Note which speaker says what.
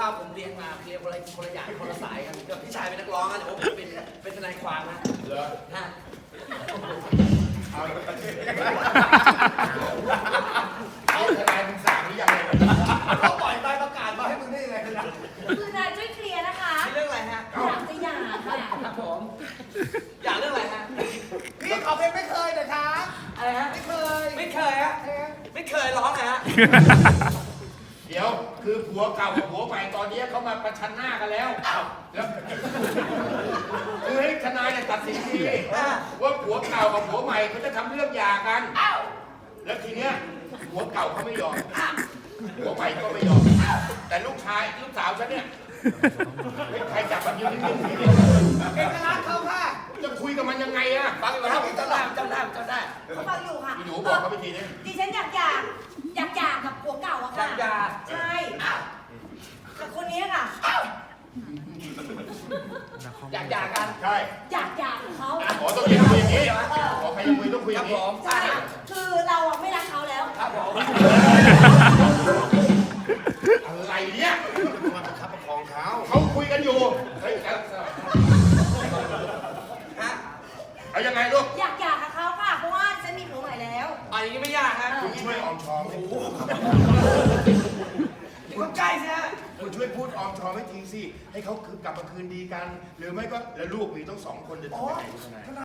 Speaker 1: ผมเรียนมาคนละอย่างคนละสายกันพี่ชายเป็นนักร้องนะแต่ว่าผมเป็นทนายความนะเหรอฮะ
Speaker 2: เอาทนายมึงสั่งหรือยัง
Speaker 1: เขาปล่อยใบประกาศมาให้มึงได้ยังไงนะ
Speaker 3: คือนายช่วยเคลียร์นะคะ
Speaker 1: เรื่องอะไรฮะ
Speaker 3: อยากจะหย่าค่ะ
Speaker 1: ครับผมอยากเรื่องอะไรฮะ
Speaker 4: พี่ขอเพลงไม่เคยนะคะ
Speaker 1: อะไรฮะไม่เคยฮะไม่เคยร้องนะฮะ
Speaker 2: เดี๋ยวคือผัวเก่ากับผัวใหม่ตอนนี้เขามาประชันหน้ากันแล้วแล้วคือให้ทนายเนี่ยตัดสินทีว่าผัวเก่ากับผัวใหม่เขาจะทำเรื่องหย่ากันแล้วทีเนี้ยผัวเก่าเขาไม่ยอมผัวใหม่ก็ไม่ยอมแต่ลูกสาวฉันเนี่ยใครจับมันยืนนิ่งๆทีเดียว
Speaker 4: เอกลักษณ์เขาค่ะ
Speaker 2: จะคุยกับมันยังไงอะ
Speaker 1: ฟังอยู่ครับจำได้จำได้
Speaker 3: เขาฟังอยู่ค่ะ
Speaker 2: พี่หนูบอกเขาไปทีนี้
Speaker 3: ดิฉันอยากหย่ากับผัวเก่าอะค่ะใช่กับคนนี้ค่ะ
Speaker 1: อยากหย่ากัน
Speaker 2: ใช่
Speaker 3: อยากหย่ากับเขา
Speaker 2: อ๋อต้องคุยอย่างนี้ขอใครจะคุยต้องคุยอ
Speaker 1: ครั
Speaker 2: ย่า
Speaker 1: บ
Speaker 2: ง
Speaker 1: ผ
Speaker 2: นี้
Speaker 1: ม
Speaker 3: ใช่คือเราอะไม่รักเขาแล้ว
Speaker 1: ครับผม
Speaker 2: อะไรเนี่ย
Speaker 4: มาประคับประคองเขา
Speaker 2: เขาคุยกันอยู่เฮ้ย
Speaker 1: ฮะ
Speaker 2: เอายังไงลูก
Speaker 3: อยากหย่ากับเขาค่ะเพราะว่าฉันมีผัวใหม่แล้ว
Speaker 1: อันนี้ไม่ยากฮะ
Speaker 2: คุณช่วยออมชอม
Speaker 1: คุณใกล้ใช่ไหม
Speaker 2: คุณช่วยพูดออมชอมให้ทีสิให้เขาคือกลับมาคืนดีกัน หรือไม่ก็แล้วลูกมีต้อง2 คนจะทำยังไงคุณทนาย